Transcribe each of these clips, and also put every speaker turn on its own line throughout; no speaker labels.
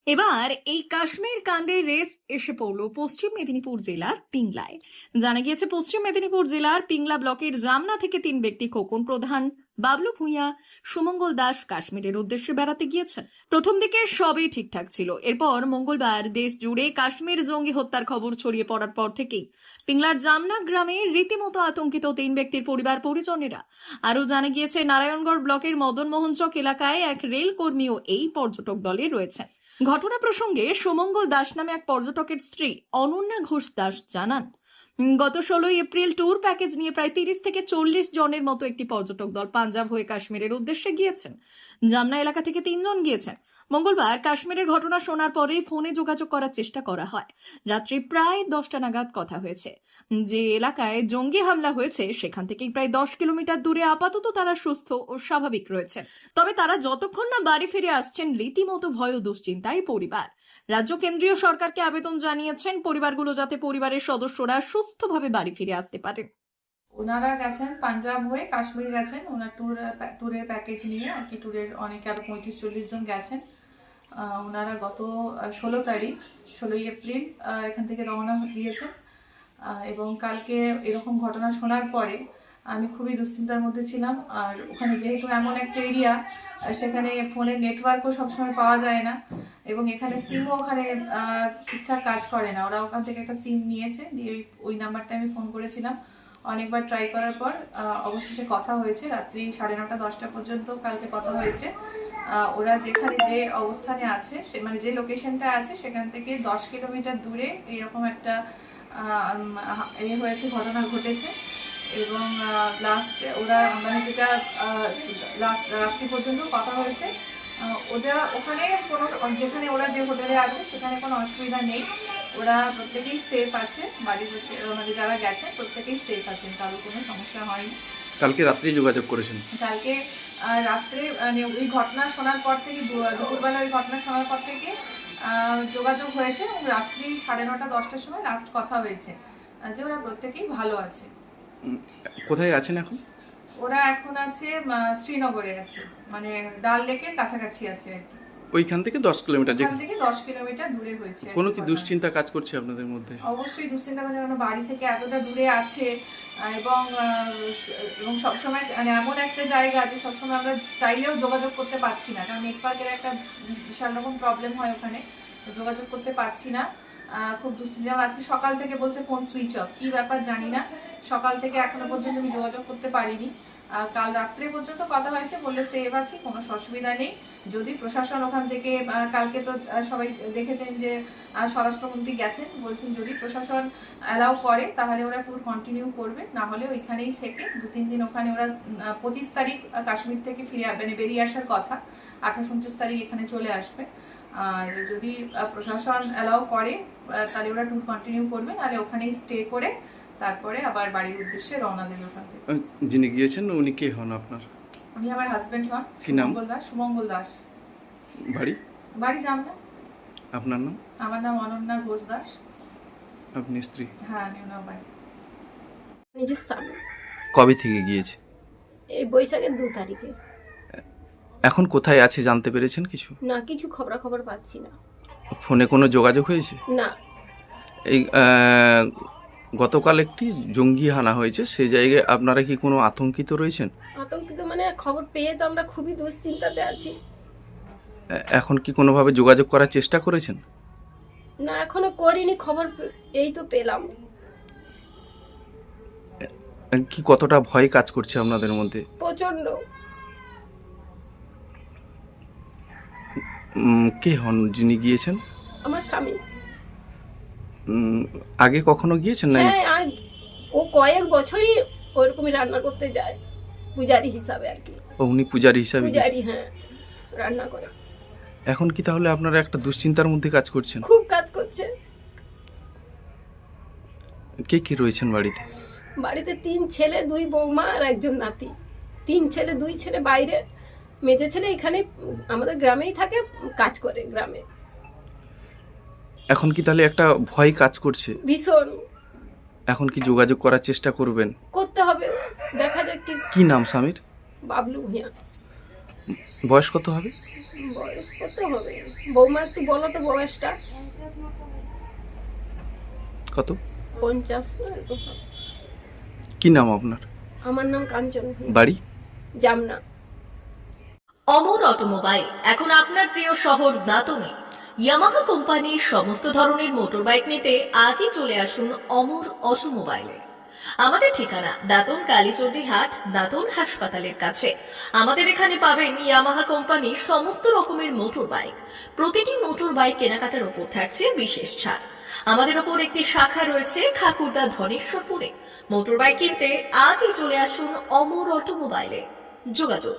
এবার এই কাশ্মীর কাণ্ডের রেস এসে পড়ল পশ্চিম মেদিনীপুর জেলার পিংলায়। জানা গিয়েছে পশ্চিম মেদিনীপুর জেলার পিংলা ব্লকের জামনা থেকে 3 ব্যক্তি খোকন প্রধান, বাবলু ভূঁইয়া, সুমঙ্গল দাস কাশ্মীরের উদ্দেশ্যে বেড়াতে গিয়েছেন। প্রথম দিকে সবই ঠিকঠাক ছিল। এরপর মঙ্গলবার দেশ জুড়ে কাশ্মীর জঙ্গি হত্যার খবর ছড়িয়ে পড়ার পর থেকেই পিংলার জামনা গ্রামে রীতিমতো আতঙ্কিত 3 ব্যক্তির পরিবার পরিজনেরা। আরও জানা গিয়েছে নারায়ণগড় ব্লকের মদনমোহন চক এলাকায় এক রেল কর্মীও এই পর্যটক দলে রয়েছেন। ঘটনা প্রসঙ্গে সুমঙ্গল দাস নামে এক পর্যটকের স্ত্রী অনন্যা ঘোষ দাস জানান, গত 16 এপ্রিল ট্যুর প্যাকেজ নিয়ে প্রায় 30 থেকে 40 জনের মতো একটি পর্যটক দল পাঞ্জাব হয়ে কাশ্মীরের উদ্দেশ্যে গিয়েছেন। জামনা এলাকা থেকে 3 জন গিয়েছেন। মঙ্গলবার কাশ্মীরের ঘটনা শোনার পরেই ফোনে যোগাযোগ করার চেষ্টা করা হয়। রাত্রি প্রায় 10টা নাগাদ কথা হয়েছে। যে এলাকায় জঙ্গি হামলা হয়েছে সেখান থেকেই প্রায় 10 কিলোমিটার দূরে আপাতত তারা সুস্থ ও স্বাভাবিক রয়েছে। তবে তারা যতক্ষণ না বাড়ি ফিরে আসছেন রীতিমতো ভয় ও দুশ্চিন্তায় পরিবার। রাজ্য কেন্দ্রীয় সরকারকে আবেদন জানিয়েছেন পরিবারগুলো যাতে পরিবারের সদস্যরা সুস্থভাবে বাড়ি ফিরে আসতে পারে।
ওনারা গেছেন পাঞ্জাব হয়ে কাশ্মীর গেছেন ওনার ট্যুরের প্যাকেজ নিয়ে আর কি। ট্যুরের অনেকে আরো 35-40 জন গেছেন। ওনারা গত 16 এপ্রিল এখান থেকে রওনা দিয়েছেন এবং কালকে এরকম ঘটনা শোনার পরে আমি খুবই দুশ্চিন্তার মধ্যে ছিলাম। আর ওখানে যেহেতু এমন একটা এরিয়া, সেখানে ফোনের নেটওয়ার্কও সবসময় পাওয়া যায় না এবং এখানে সিমও ওখানে ঠিকঠাক কাজ করে না। ওরা ওখান থেকে একটা সিম নিয়েছে, দিয়ে ওই নাম্বারটা আমি ফোন করেছিলাম। অনেকবার ট্রাই করার পর অবশেষে কথা হয়েছে। রাত্রি 9:30-10টা পর্যন্ত কালকে কথা হয়েছে। ওরা যেখানে যে অবস্থানে আছে, সে মানে যে লোকেশনটা আছে সেখান থেকে 10 কিলোমিটার দূরে এইরকম একটা হয়েছে, ঘটনা ঘটেছে। এবং লাস্টে ওরা মানে যেটা লাস্ট রাত্রি পর্যন্ত কথা হয়েছে, ওরা ওখানে কোনো যেখানে ওরা যে হোটেলে আছে সেখানে কোনো অসুবিধা নেই। ওরা প্রত্যেকেই সেফ আছে, বাড়ির মানে যারা গেছে প্রত্যেকেই সেফ আছেন, কারোর কোনো সমস্যা হয়নি।
কালকে রাত্রে যোগাযোগ করেছেন?
কালকে রাত্রে মানে ওই ঘটনা শোনার পর থেকে, দুপুরবেলা ওই ঘটনা শোনার পর থেকে যোগাযোগ হয়েছে এবং রাত্রি 9:30-10টার সময় লাস্ট কথা হয়েছে যে ওরা প্রত্যেকেই ভালো আছে।
কোথায় আছেন এখন?
ওরা এখন আছে শ্রীনগরে আছে, মানে ডাল লেকের কাছাকাছি আছে আর কি।
ওইখান থেকে 10 কিলোমিটার?
ওখান থেকে 10 কিলোমিটার দূরে হয়েছে।
কোনো কি দুশ্চিন্তা কাজ করছে আপনাদের মধ্যে?
অবশ্যই দুশ্চিন্তা করছে, কারণ বাড়ি থেকে এতটা দূরে আছে এবং সবসময় মানে এমন একটা জায়গা আছে সবসময় আমরা চাইলেও যোগাযোগ করতে পারছি না, কারণ নেটওয়ার্কের একটা বিশাল রকম প্রবলেম হয় ওখানে, যোগাযোগ করতে পারছি না। খুব দুশ্চিন্তা। আজকে সকাল থেকে বলছে ফোন সুইচ অফ, কি ব্যাপার জানি না। সকাল থেকে এখনো পর্যন্ত আমি যোগাযোগ করতে পারিনি। কাল রাত্রে পর্যন্ত কথা হয়েছে, বললে সেভ আছি, কোনো অসুবিধা নেই। যদি প্রশাসন ওখান থেকে, কালকে তো সবাই দেখেছেন যে স্বরাষ্ট্রমন্ত্রী গেছেন, বলছেন যদি প্রশাসন অ্যালাউ করে তাহলে ওরা ট্যুর কন্টিনিউ করবে, না হলে ওইখানেই থেকে 2-3 দিন ওখানে ওরা 25 তারিখ কাশ্মীর থেকে মানে বেরিয়ে আসার কথা, 28-29 তারিখ এখানে চলে আসবে। আর যদি প্রশাসন অ্যালাউ করে তাহলে ওরা ট্যুর কন্টিনিউ করবে, নাহলে ওখানেই স্টে করে তারপরে আবার বাড়ির উদ্দেশ্যে রওনা দেবে ওখান থেকে।
যিনি গিয়েছেন উনি কে হন আপনার?
উনি আমার হাজবেন্ড হন।
কি নাম?
সুমঙ্গল দাস। বাড়ি জামনা।
আপনার নাম?
আমার নাম অনন্যা ঘোষ দাস।
আপনি স্ত্রী?
হ্যাঁ, আমি ওনার বাড়ি।
নিজের স্বামী।
কবে থেকে গিয়েছে?
এই বৈশাখের 2 তারিখে।
এখন কোথায় আছে জানতে পেরেছেন কিছু?
না, কিছু খবর পাচ্ছি না।
ফোনে কোনো যোগাযোগ হয়েছে?
না।
এই গতকাল একটি জঙ্গি হানা হয়েছে, সেই জায়গায় আপনারা কি কোনো আতঙ্কিত রয়েছেন?
আতঙ্কিত মানে খবর পেয়ে তো আমরা খুবই দুশ্চিন্তাতে আছি।
এখন কি কোনোভাবে যোগাযোগ করার চেষ্টা করেছেন?
না, এখনো করিনি, খবর এই তো পেলাম।
কি কতটা ভয় কাজ করছে আপনাদের মধ্যে?
প্রচন্ড।
কে হন যিনি গিয়েছেন?
আমার স্বামী।
আগে কখনো গিয়েছেন না?
হ্যাঁ, ও কয়েক বছরই ওরকমই রান্না করতে যায়, পূজারি হিসাবে আর কি।
উনি পূজারি হিসাবে?
পূজারি, হ্যাঁ, রান্না করে।
এখন কি তাহলে আপনারা একটা দুশ্চিন্তার মধ্যে কাজ করছেন?
খুব কাজ করছে।
কে কে রয়েছেন বাড়িতে?
বাড়িতে 3 ছেলে, 2 বৌমা আর একজন নাতি। 3 ছেলে, 2 ছেলে বাইরে, মেজো ছেলে এখানে আমাদের গ্রামেই থাকে, কাজ করে গ্রামে।
এখন কি তাহলে একটা ভয় কাজ করছে
ভীষণ।
এখন কি যোগাযোগ করার চেষ্টা করবেন?
করতে হবে, দেখা যাক।
কি নাম স্বামীর?
বাবলু ভূঁইয়া।
বয়স কত হবে?
বয়স কত হবে? বৌমা একটু বলো তো বয়সটা।
কত?
50 না এরকম হবে।
কি নাম আপনার?
আমার নাম কাঞ্চন,
বাড়ি?
জামনা।
অমর অটোমোবাইল এখন আপনার প্রিয় শহর দাঁতনে। ইয়ামাহা কোম্পানির সমস্ত ধরনের মোটরবাইক নিতে আজই চলে আসুন অমর অটোমোবাইলে। আমাদের ঠিকানা দাঁতন কালীচর্দি হাট, দাঁতন হাসপাতালের কাছে। আমাদের এখানে পাবেন ইয়ামাহা কোম্পানির সমস্ত রকমের মোটর বাইক। প্রতিটি মোটর বাইক কেনাকাটার উপর থাকছে বিশেষ ছাড়। আমাদের ওপর একটি শাখা রয়েছে ঠাকুরদা ধনেশ্বরপুরে। মোটর বাইক কিনতে আজই চলে আসুন অমর অটোমোবাইলে। যোগাযোগ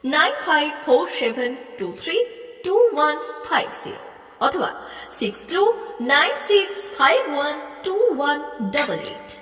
9547232150 অথবা 6296512188।